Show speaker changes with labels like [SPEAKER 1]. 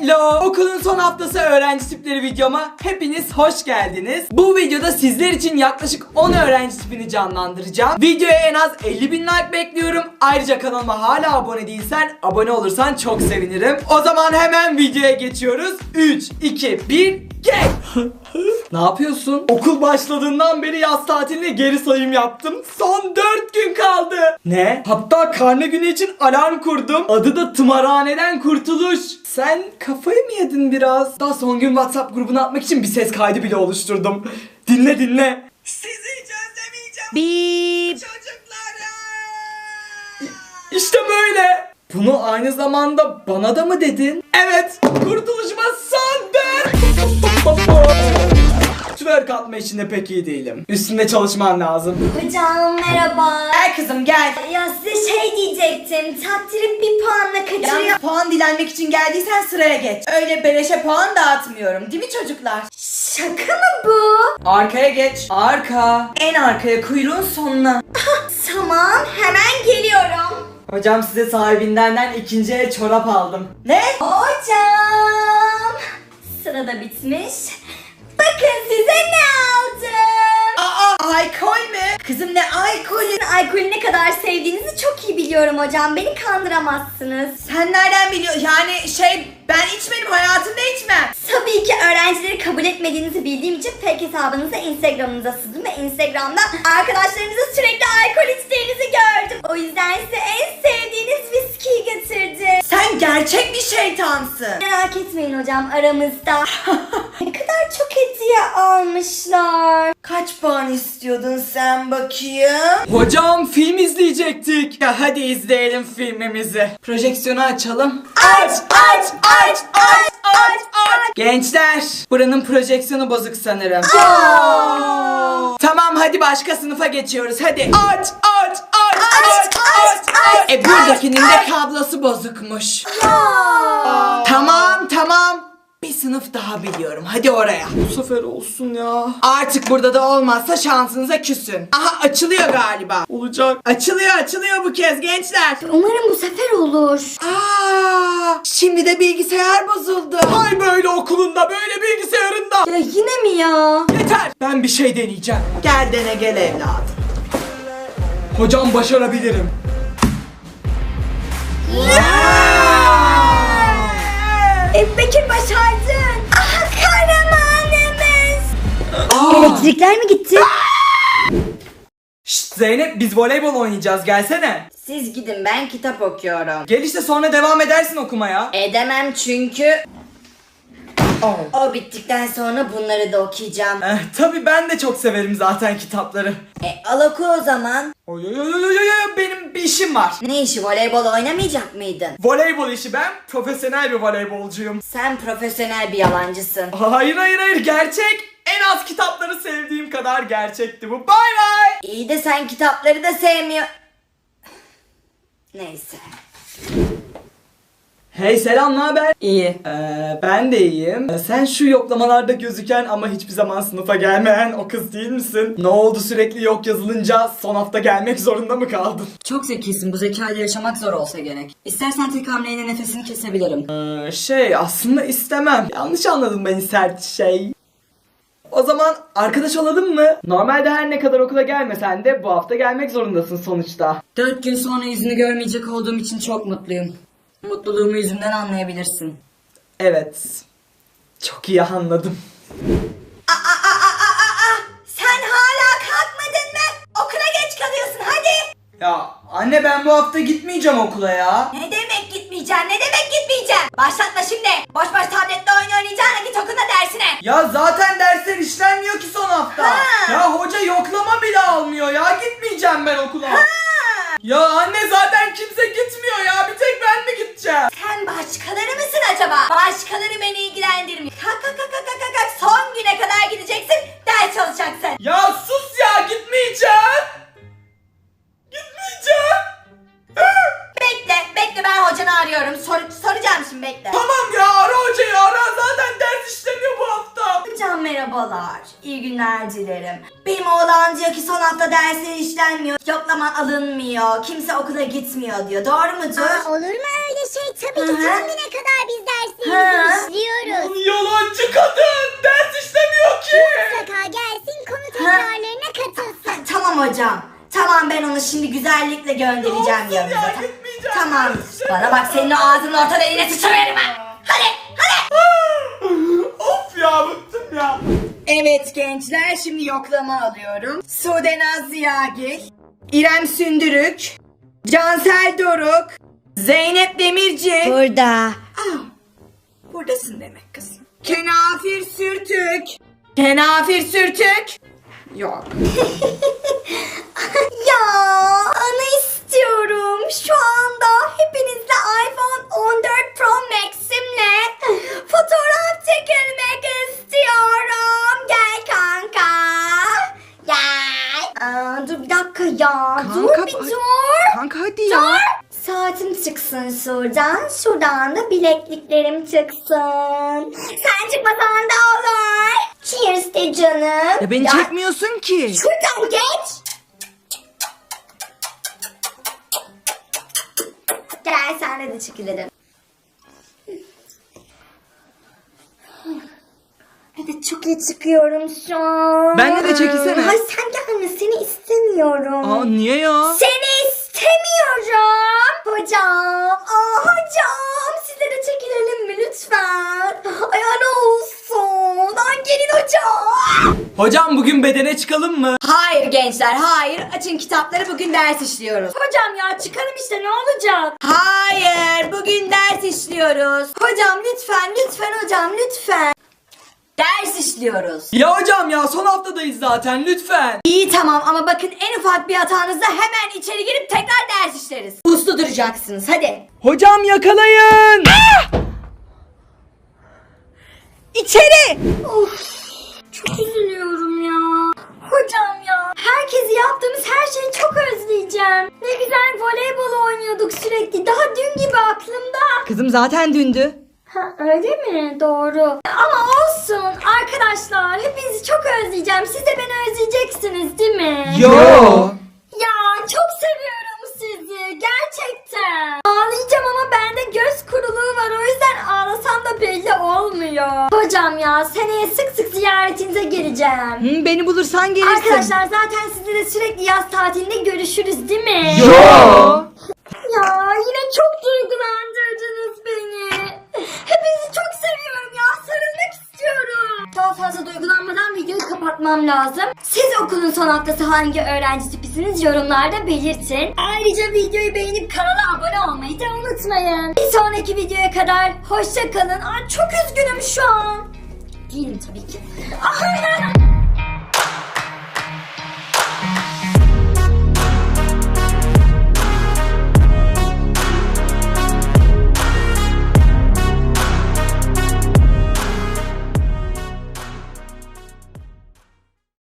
[SPEAKER 1] Hello! Okulun son haftası öğrenci tipleri videoma hepiniz hoş geldiniz. Bu videoda sizler için yaklaşık 10 öğrenci tipini canlandıracağım. Videoya en az 50.000 like bekliyorum. Ayrıca kanalıma hala abone değilsen abone olursan çok sevinirim. O zaman hemen videoya geçiyoruz. 3, 2, 1, geç! Ne yapıyorsun? Okul başladığından beri yaz tatiline geri sayım yaptım. Son 4 gün kaldı. Ne? Hatta karne günü için alarm kurdum. Adı da Tımarhaneden Kurtuluş. Sen kafayı mı yedin biraz? Daha son gün WhatsApp grubuna atmak için bir ses kaydı bile oluşturdum. Dinle dinle. Sizi hiç özlemeyeceğim.
[SPEAKER 2] Bip.
[SPEAKER 1] Çocuklarım. İşte böyle. Bunu aynı zamanda bana da mı dedin? Evet. Kurtuluşuma son 4. Twerk atma işinde pek iyi değilim. Üstünde çalışman lazım.
[SPEAKER 2] Hocam merhaba.
[SPEAKER 1] Gel kızım gel.
[SPEAKER 2] Ya size şey diyecektim. Takdirim bir puanla kaçırıyor.
[SPEAKER 3] Yalnız puan dilenmek için geldiysen sıraya geç. Öyle beleşe puan dağıtmıyorum değil mi çocuklar?
[SPEAKER 2] Şaka mı bu?
[SPEAKER 1] Arkaya geç. Arka.
[SPEAKER 3] En arkaya, kuyruğun sonuna.
[SPEAKER 2] Tamam, hemen geliyorum.
[SPEAKER 1] Hocam size sahibinden ikinci el çorap aldım.
[SPEAKER 3] Ne?
[SPEAKER 2] Hocam. Sırada bitmiş. Bakın size ne aldım.
[SPEAKER 3] Aa, alkol mü? Kızım ne alkolü?
[SPEAKER 2] Alkolü ne kadar sevdiğinizi çok iyi biliyorum hocam. Beni kandıramazsınız.
[SPEAKER 3] Sen nereden biliyorsun? Yani ben içmedim, hayatımda içmem.
[SPEAKER 2] Tabii ki öğrencileri kabul etmediğinizi bildiğim için fake hesabınıza Instagram'ınıza sızdım ve Instagram'da arkadaşlarınızın sürekli alkol içtiğinizi gördüm. O yüzden size en sevdiğiniz viskiyi getirdim.
[SPEAKER 3] Sen gerçek bir şeytansın.
[SPEAKER 2] Merak etmeyin hocam, aramızda. Ne kadar çok hediye almışlar.
[SPEAKER 3] Kaç puan istiyordun sen bakayım?
[SPEAKER 1] Hocam film izleyecektik. Ya hadi izleyelim filmimizi. Projeksiyonu açalım.
[SPEAKER 3] Aç, aç, aç, aç, aç, aç.
[SPEAKER 1] Gençler, buranın projeksiyonu bozuk sanırım. Tamam hadi başka sınıfa geçiyoruz hadi. Aç, aç, aç, aç, aç, aç. Buradakinin de kablosu bozukmuş. Tamam. Bir sınıf daha biliyorum. Hadi oraya. Bu sefer olsun ya. Artık burada da olmazsa şansınıza küsün. Aha açılıyor galiba. Olacak. Açılıyor bu kez gençler.
[SPEAKER 2] Umarım bu sefer olur.
[SPEAKER 1] Şimdi de bilgisayar bozuldu. Hay böyle okulunda, böyle bilgisayarında.
[SPEAKER 2] Ya yine mi ya?
[SPEAKER 1] Yeter. Ben bir şey deneyeceğim. Gel dene gel evladım. Hocam başarabilirim.
[SPEAKER 2] Bekir başardın. Aha, kahramanımız. Elektrikler mi gitti?
[SPEAKER 1] Şşt Zeynep biz voleybol oynayacağız gelsene.
[SPEAKER 3] Siz gidin, ben kitap okuyorum.
[SPEAKER 1] Gel işte sonra devam edersin okumaya.
[SPEAKER 3] Edemem çünkü o bittikten sonra bunları da okuyacağım.
[SPEAKER 1] Tabii ben de çok severim zaten kitapları.
[SPEAKER 3] Al oku o zaman.
[SPEAKER 1] Oy, benim bir işim var.
[SPEAKER 3] Ne işi, voleybol oynamayacak mıydın?
[SPEAKER 1] Voleybol işi, ben profesyonel bir voleybolcuyum.
[SPEAKER 3] Sen profesyonel bir yalancısın.
[SPEAKER 1] Hayır gerçek. En az kitapları sevdiğim kadar gerçekti bu. Bay bay.
[SPEAKER 3] İyi de sen kitapları da sevmiyor. Neyse.
[SPEAKER 1] Hey selam, ne haber?
[SPEAKER 3] İyi.
[SPEAKER 1] Ben de iyiyim. Sen şu yoklamalarda gözüken ama hiçbir zaman sınıfa gelmeyen o kız değil misin? Ne oldu, sürekli yok yazılınca son hafta gelmek zorunda mı kaldın?
[SPEAKER 4] Çok zekisin. Bu zekayla yaşamak zor olsa gerek. İstersen tek hamleyle nefesini kesebilirim.
[SPEAKER 1] Aslında istemem. Yanlış anladım beni sert şey. O zaman arkadaş olalım mı? Normalde her ne kadar okula gelmesen de bu hafta gelmek zorundasın sonuçta.
[SPEAKER 4] 4 gün sonra yüzünü görmeyecek olduğum için çok mutluyum. Mutluluğumu yüzümden anlayabilirsin.
[SPEAKER 1] Evet. Çok iyi anladım.
[SPEAKER 3] Sen hala kalkmadın mı? Okula geç kalıyorsun, hadi.
[SPEAKER 1] Ya anne ben bu hafta gitmeyeceğim okula ya.
[SPEAKER 3] Ne demek gitmeyeceksin? Başlatma şimdi. Boş tabletle oyun oynayacağına git okula dersine.
[SPEAKER 1] Ya zaten dersler işlenmiyor ki son hafta. Ya hoca yoklama bile almıyor ya. Gitmeyeceğim ben okula. Ya anne zaten kimse gitmiyor ya. Bir tek ben mi gideceğim?
[SPEAKER 3] Sen başkaları mısın acaba? Başkaları beni ilgilendirmiyor. Kalk. Son güne kadar gideceksin. Ders çalışacaksın.
[SPEAKER 1] Ya sus ya, gitmeyeceğim.
[SPEAKER 3] Bekle ben hocanı arıyorum. Soracağım şimdi, bekle.
[SPEAKER 1] Tamam ya, ara hocayı ara. Zaten ders işlemiyor bu hafta.
[SPEAKER 3] Hocam merhabalar. İyi günler dilerim. Benim oğlan diyor ki son hafta dersleri işlenmiyor. Yoklama alınmıyor. Kimse okula gitmiyor diyor. Doğru mudur?
[SPEAKER 2] Olur mu öyle şey? Tabii ki
[SPEAKER 3] Hı hı.
[SPEAKER 2] son güne kadar biz
[SPEAKER 3] Ha,
[SPEAKER 2] derslerimizi
[SPEAKER 3] hocam. Tamam, ben onu şimdi güzellikle göndereceğim yanınıza.
[SPEAKER 1] gitmeyeceğim.
[SPEAKER 3] Tamam. Bana bak, senin o ağzının orta deliğine sıçrayarım ha. Hadi.
[SPEAKER 1] Of ya, bıktım ya.
[SPEAKER 4] Evet gençler, şimdi yoklama alıyorum. Sudenaz Ziyagil, İrem Sündürük, Cansel Doruk, Zeynep Demirci.
[SPEAKER 3] Burada.
[SPEAKER 4] Buradasın demek kızım. Kenafir Sürtük. Kenafir Sürtük. Yok.
[SPEAKER 2] Ya onu istiyorum. Şu anda hepinizle iPhone 14 Pro Max'imle fotoğraf çekilmek istiyorum. Gel kanka. Gel. Dur bir dakika ya. Dur bir dur.
[SPEAKER 4] Kanka hadi ya.
[SPEAKER 2] Dur. Saatim çıksın şuradan. Şuradan da bilekliklerim çıksın. Sen çıkmasan da olur. Cheers de canım.
[SPEAKER 4] Ya beni çekmiyorsun ki.
[SPEAKER 2] Şuradan geç. Gel senle de çekilelim. Evet, çok iyi çıkıyorum şu an.
[SPEAKER 4] Benle de çekilsene.
[SPEAKER 2] Ay sen gelme, seni istemiyorum.
[SPEAKER 4] Aa niye ya?
[SPEAKER 2] Seni istemiyorum. Hocam. Hocam. Size de çekilelim mi lütfen? Ay ne olsun. Ay gelin hocam.
[SPEAKER 1] Hocam bugün bedene çıkalım mı?
[SPEAKER 4] Hayır gençler, hayır. Açın kitapları, bugün ders işliyoruz.
[SPEAKER 2] Hocam ya çıkalım işte, ne olacak?
[SPEAKER 4] Hayır, bugün ders işliyoruz.
[SPEAKER 2] Hocam lütfen hocam lütfen.
[SPEAKER 4] Ders işliyoruz.
[SPEAKER 1] Ya hocam ya, son haftadayız zaten, lütfen.
[SPEAKER 4] İyi tamam ama bakın, en ufak bir hatanızda hemen içeri girip tekrar ders işleriz. Uslu duracaksınız, hadi.
[SPEAKER 1] Hocam yakalayın.
[SPEAKER 4] İçeri!
[SPEAKER 2] Çok üzülüyorum ya. Hocam ya. Herkesi yaptığımız her şeyi çok özleyeceğim. Ne güzel voleybol oynuyorduk sürekli. Daha dün gibi aklımda.
[SPEAKER 4] Kızım zaten dündü.
[SPEAKER 2] Ha öyle mi? Doğru. Ama olsun arkadaşlar. Hepinizi çok özleyeceğim. Siz de beni özleyeceksiniz değil mi?
[SPEAKER 1] Yo.
[SPEAKER 2] Ya çok seviyorum sizi. Gerçekten. Ağlayacağım ama bende göz kuruluğu var. O yüzden ağlasam da belli olmuyor. Hocam ya seneye sık sık ziyaretinize geleceğim.
[SPEAKER 4] Beni bulursan gelirsin.
[SPEAKER 2] Arkadaşlar zaten sizinle de sürekli yaz tatilinde görüşürüz değil mi?
[SPEAKER 1] Yo.
[SPEAKER 2] Ya yine çok duygulandırdınız beni. Hepinizi çok seviyorum ya. Sarılmak istiyorum. Daha fazla duygulanmadan videoyu kapatmam lazım. Siz okulun son haftası hangi öğrenci tipisiniz yorumlarda belirtin. Ayrıca videoyu beğenip kanala abone olmayı da unutmayın. Bir sonraki videoya kadar hoşça kalın. Ay çok üzgünüm şu an. Değilim tabii ki.